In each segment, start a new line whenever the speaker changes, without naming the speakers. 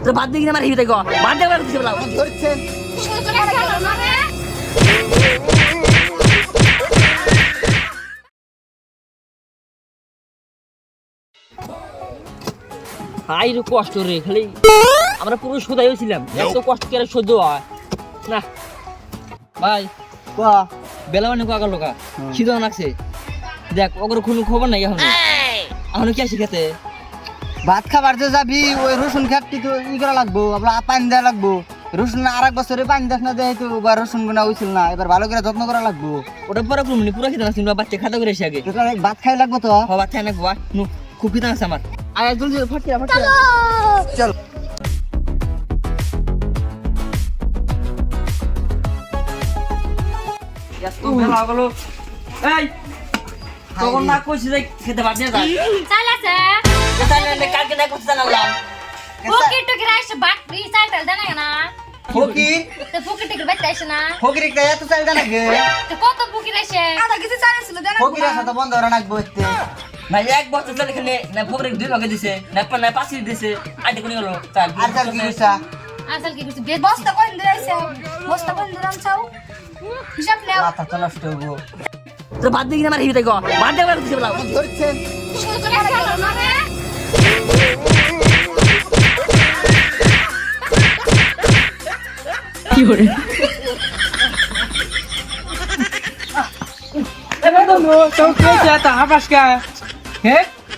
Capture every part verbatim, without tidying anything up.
তো বাদ দিয়ে আমার হিতে গো বাদ দিয়ে কিছু বলাও
ধরছেন
হাই রে কষ্ট রে খালি আমরা পুরো সুদাই হয়েছিলাম এত কষ্ট করে সহ্য হয় না ভাই
কোয়া
বেলা মানে কাকা লোকা খিদা লাগছে দেখ ওগর কোনো খবর নাই এখন এখন কি আসি খেতে
ভাত খাবার যে যাবি ওই রসুন খাটটি তো ই করা লাগবো আপনার পানি দেওয়া লাগবো রসুন আর এক বছরে পানি দেখ না দেয় তো বা রসুন গুনা হয়েছিল না এবার ভালো করে যত্ন করা লাগবো
ওটা পরে পুরো পুরো খেতে লাগছে বাচ্চা খাতা করে এসে আগে
তো তাহলে ভাত খাই লাগবো তো
হবার থাকে না গোয়া নু খুব খিদা আছে আমার আয় জলদি ফটকিরা ফটকিরা
চল
তো বেলা গেলো এই তখন না কইছি যে খেতে বাদ দিয়ে যা
চাল আছে
তাহলে কালকে না করতে জানালাম
ফকির টকির আইসে বাট ই চাল টাল দেনা না
ফকির
তো ফকির টকির বাইতে আইসে না
ফকির একটা এত চাল দেয় নাকি
তো কত ফকির আইসে আধা কেজি চাল ছিল দেনা
ফকির আসা তো বন্ধ করে রাখবো এতে
না এক বছর চলে খেলে না ফকরে দুই লগে দিছে না না পাঁচি দিছে আইতে কোনি গেল চাল
আর চাল কি হইছা
আসল কি কিছু বেদ বস্তা কোন দিন আইসে বস্তা কোন দিন আনছাও হিসাব নাও
মাথা তো নষ্ট হবো
তো বাদ দিয়ে আমার হিতে গো বাদ দিয়ে কিছু বলাও
ধরছেন
শুরু করে গেল না রে
কি করে
এবে তো নো তো কে চাতা হাবাস কা হে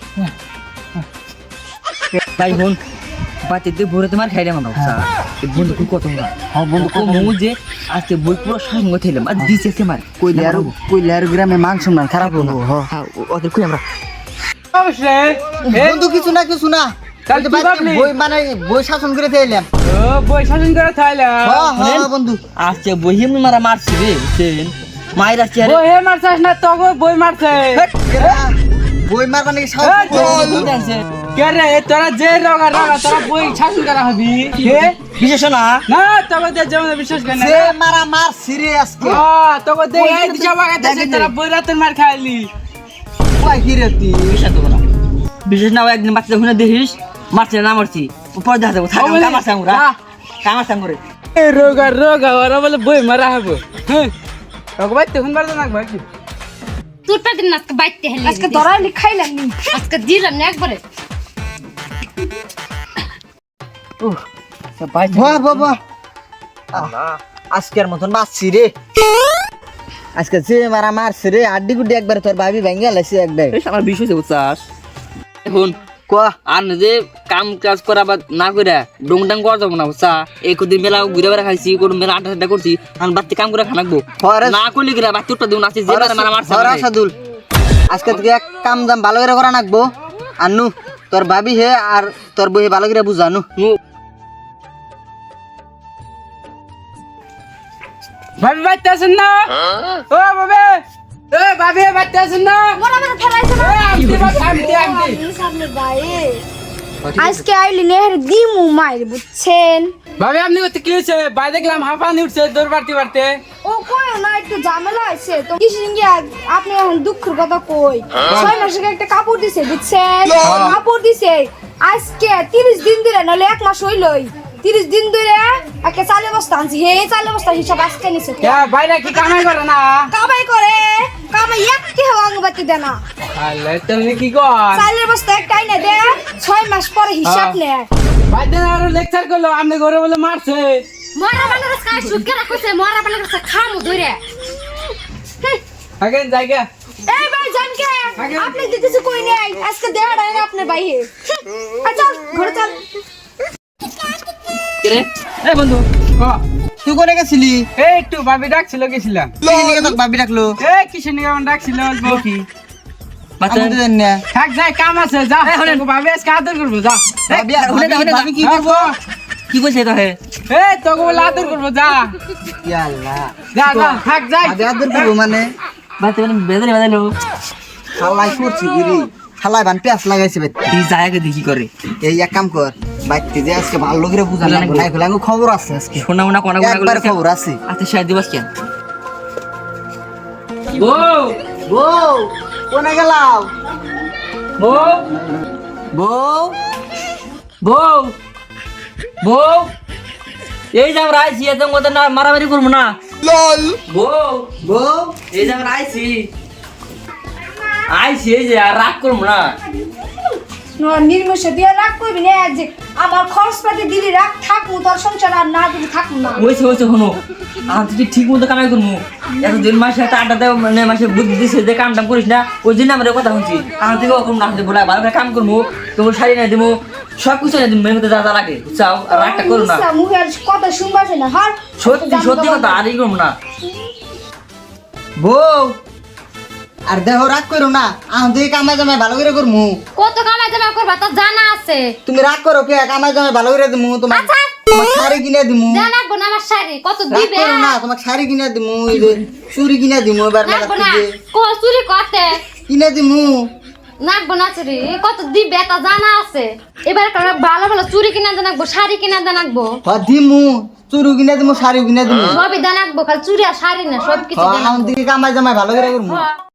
তাই হন বাতে দিয়ে ভরে তোমার খাইলে মানো এই বন্ধু কই কত না হ্যাঁ বন্ধু কো মু যে আজকে বই পুরো সঙ্গ থইলাম আর দিছে সে মার
কইলে আর কইলে আর গ্রামে মান সম্মান খারাপ হলো
হ্যাঁ ওদের কই আমরা
অবশ্যই হে
বন্ধু কিছু না কিছু না
তাহলে
ওই যে
তুই
বাড়িতে
ভাবলি?
বই মানে বই শাসন করে দিলাম
ও বই শাসন করে থাইলা
হ্যাঁ হ্যাঁ বন্ধু
আজকে বহিম মারা মারছি রে বুঝছেন মায়ের আসছে আরে
বই হে মারছাস না তো বই মারছে
কেরা? বই মারবা নাকি সাহস
এই,
করছিস?
দুধ আনছে
কে রে তোরা যে রগা রগা তোরা বই শাসন করা হবি হে
বিশেষ না
না তোকে দে যেমন বিশ্বাস করে না
সে মারা মার সিরিয়াস কে
ও তোকে দে এই দিশা বাগাইতে তোরা বই রাতের মার খাইলি
কই কি রে তুই
বিশেষ দেবো না বিশেষ না একদিন বাচ্চা শুনে দেখিস মারছে না মারছি উপর দেখা দেবো থাক
বলে,
কামার সাঙ্গুরা
যা।
কামার সাঙ্গুরে
এ রোগা রোগা ওরা বলে বই মারা হবো হ্যাঁ তোকে ভাই তখন বার না ভাই
তোর পর দিন আজকে বাইতে হেলি আজকে ধরাইলি খাইলাম নি আজকে দিলাম না একবারে
ভাই
বাহ বাহ বাহ আজকের মতন মারছি রে আজকে যে মারা মারছে রে আড্ডি গুড্ডি একবার তোর ভাবি ভেঙে লাইছে একবার
আমার বিষয় বুঝছাস এখন
কোয়া
আর যে কাম কাজ করা বা না করে ডং ডাং করা যাবো না বুঝছা এই কদিন মেলা ঘুরে বেড়া খাইছি কোন মেলা আটা আটা করছি আমি বাড়িতে কাম করে খানাকবো
হরে
না করলে গিরা বাড়িতে উঠটা দেবো না যে মারা মারা মারছে
হরে
আমাকে।
সাদুল আজকে থেকে এক কাম জাম ভালো করে করা নাকবো আনু তোর ভাবি হে আর তোর বই ভালো করে বুঝানু
মু-
ভাবি বাইতে আছেন না ও বাবে এ ভাবি বাইতে আছেন না
মোরা মোরা ফেলাইছে না
এ, আমতি ভাবি, আমতি, আমতি।
সামনে ভাই আজকে আইলি নেহের দিমু মাইর বুঝছেন
ভাবি আপনি করতে কি হয়েছে ভাই দেখলাম হাঁপানি উঠছে দৌড় বাড়তে বাড়তে
ও কই না একটু ঝামেলা আছে তো কিসের গিয়া আপনি এখন দুঃখের কথা কই ছয় মাস আগে একটা কাপড় দিছে বুঝছেন কাপড় দিছে আজকে তিরিশ দিন ধরে নাহলে এক মাস হইলই তিরিশ দিন ধরে একটা চালের বস্তা আনছি হে চালের বস্তা হিসাব আজকে নিছে
কে বাইরে কি কামাই করে না
কামাই করে কামাই একটি হওয়া অঙ্গবাতি দে না
আলে তুমি কি কর
চালের বস্তা একটাই না দে ছয় মাস পরে হিসাব নেয়
ভাই দেন আরো লেকচার করলো আপনি ঘরে বলে মারছে
মরা বানার কাছে সুটকে রাখছে মরা বানার কাছে খামু ধরে
আগে জায়গা
এই ভাই জানকে
আগে-
আপনি তো কিছু কই নাই আজকে দেয়া নাই আপনার ভাইয়ে চল ঘরে চল
কে রে এই বন্ধু
ও
তুই করে গেছিলি
এই একটু ভাবি ডাকছিল গেছিলাম
কি নিয়ে তোর ভাবি ডাকলো
এই কিসের নিয়ে আমার ডাকছিল অল্প কি
বাচ্চা
আমি তো জানি না
থাক যাই কাম আছে যা
এই, হলেন।
ভাবি আজকে আদর করবো যা
ভাবি
হুনে দা, হুনে দা।
ভাবি কি
হ্যাঁ,
করবো
গো।
কি কইছে তো হে
এই তোকে বলে আদর করবো যা
ইয়া আল্লাহ
যা যা থাক যাই
ভাবি আদর করবো মানে
বাচ্চা মানে বেদরে বাজালো
খালাই করছি গিরি খালাই বান পেঁয়াজ লাগাইছে বেট
এই জায়গা দেখি করে
এই এক কাম কর বাইতে যে আজকে ভালো করে বুঝা লাগবে না এগুলো আমার খবর আছে আজকে
শোনা মোনা কোনা কোনা
একবার খবর আছে
আচ্ছা শায়দ দিবস কেন
ও
বউ কোনে গেলাও
ও
বউ
বউ
বউ এই যে আমরা আইছি এত মতো না মারামারি করবো না বউ
বউ
এই যে আমরা আইছি আইছি এই যে আর রাগ করবো না
নির্মুষে দিয়ে রাগ করবি না যে আমার খরচ পাতি দিলি রাগ থাকবো তোর সংসার আর না দিলি থাকবো না
ওইছে ওইছে শোনো আর তুই ঠিক মতো কামাই করবো এত দিন মাসে একটা আড্ডা দেয় মানে মাসে বুদ্ধি দিচ্ছে যে কাম টাম করিস না ওই জন্য আমরা কথা শুনছি আমার থেকে ওরকম না বলে ভালো করে কাম করবো তোমার শাড়ি না দিব সব কিছু না দিব মেয়ের মধ্যে যা যা লাগে বুঝছাও আর রাগটা করো না
মুখের কথা শুনবাছে না হার
সত্যি সত্যি কথা আর ই করবো না
বউ আর দেহ রাগ করো না আমি তুই কামাই জামাই ভালো করে করমু
কত কামাই জামা করবা তো জানা আছে।
তুমি রাগ করো কে কামাই জামাই ভালো করে দিমু তোমার
আচ্ছা।
তোমার শাড়ি কিনে দিমু
জানা গো না আমার শাড়ি কত
রাগ
দিবে
করো না তোমার শাড়ি কিনে দিমু এই যে চুড়ি কিনে দিমু এবার মেলা
নাকবো না
থেকে
কো চুরি করতে
কিনে দিমু
নাকবো না চুরি কত দিবে তা জানা আছে। এবার কারণ ভালো ভালো চুরি কিনা জানাকবো শাড়ি কিনা জানাকবো
হ দিমু চুড়ি কিনে দিমু শাড়ি কিনে দিমু
সবই জানাকবো খালি চুরি আর শাড়ি না সব কিছু
হ আমি তুই কামাই জামাই ভালো করে করমু
জানাকবো।